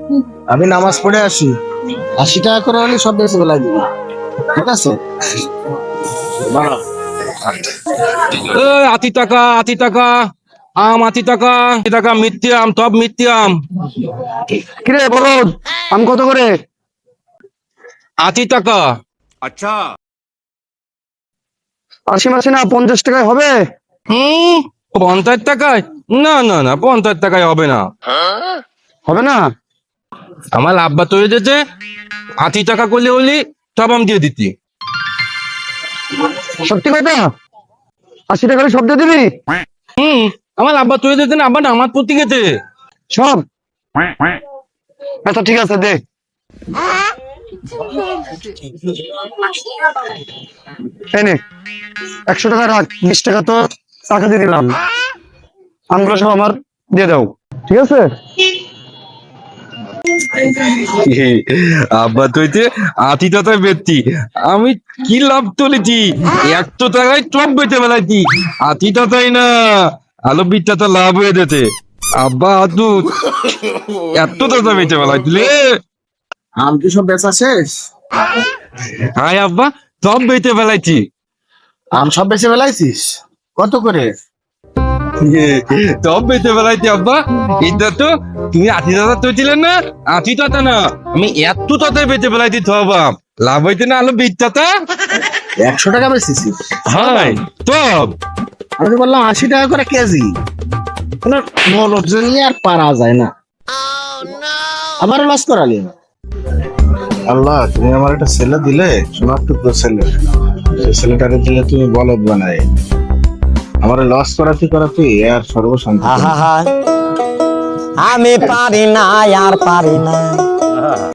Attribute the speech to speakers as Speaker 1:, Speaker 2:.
Speaker 1: আমি নামাজ পড়ে আসি, 80 টাকা করে হলে সব বেশি বেলায় দিবি, ঠিক আছে? বাড়া।
Speaker 2: আশি টাকা, 80 টাকা আম, 80 টাকা, 80 টাকা মিথ্যে আম, সব মিথ্যে আম।
Speaker 3: কিরে বলদ, আম কত করে?
Speaker 2: 80 টাকা।
Speaker 3: 80 মাসে না, 50 টাকায় হবে?
Speaker 2: 50 টাকায়? না না না, 50 টাকায় হবে না।
Speaker 3: হবে না?
Speaker 2: আমার আব্বা তো যেতে 80 টাকা করলে হলি সব আম দিয়ে দিতি।
Speaker 3: সত্যি কথা? 80 টাকা সব দিয়ে দিবি?
Speaker 2: আমার আব্বা তো যেতে না, আব্বা না আমার প্রতি গেছে
Speaker 3: সব? আচ্ছা ঠিক আছে, দে। এই নে, 100 টাকা রাখ, 20 টাকা তো টাকা দিয়ে দিলাম, আমগুলো সব আমার দিয়ে দাও, ঠিক আছে?
Speaker 2: আব্বা তো 80 টাকায় বেচতি, আমি কি লাভ তুলেছি? 100 টাকায় সব বেচে বেলাইছি, 80 টাকায় না, আলো 20 টাকা লাভ হয়ে যেতে। আব্বা আদু 100 টাকা বেচে বেলাইছিলে।
Speaker 1: আম কি সব বেচা শেষ?
Speaker 2: হাই আব্বা, সব বেচে বেলাইছি।
Speaker 1: আম সব বেচে বেলাইছিস? কত করে?
Speaker 2: সব বেচে বেলাইছি আব্বা। এটা তো তুমি 80 টাকা তুলছিলেন না, 80 টাকা না, আমি 100 টাকায় বেচে বেলাইছি সব আম। লাভ হইতে না আলো 20 টাকা।
Speaker 1: 100 টাকা বেচেছি?
Speaker 2: হাই সব।
Speaker 1: আমি তো বললাম 80 টাকা করে কেজি। কোনো লোকজন নিয়ে আর পারা যায় না, আবারও লস করালি। আল্লাহ, তুমি আমার একটা ছেলে দিলে, সোনার টুকরো ছেলে, সেই ছেলেটাকে দিলে তুমি বলদ বানাই, আমার লস করাতে করাতে আর সর্বশান্তি।
Speaker 4: আমি পারি না আর পারি না।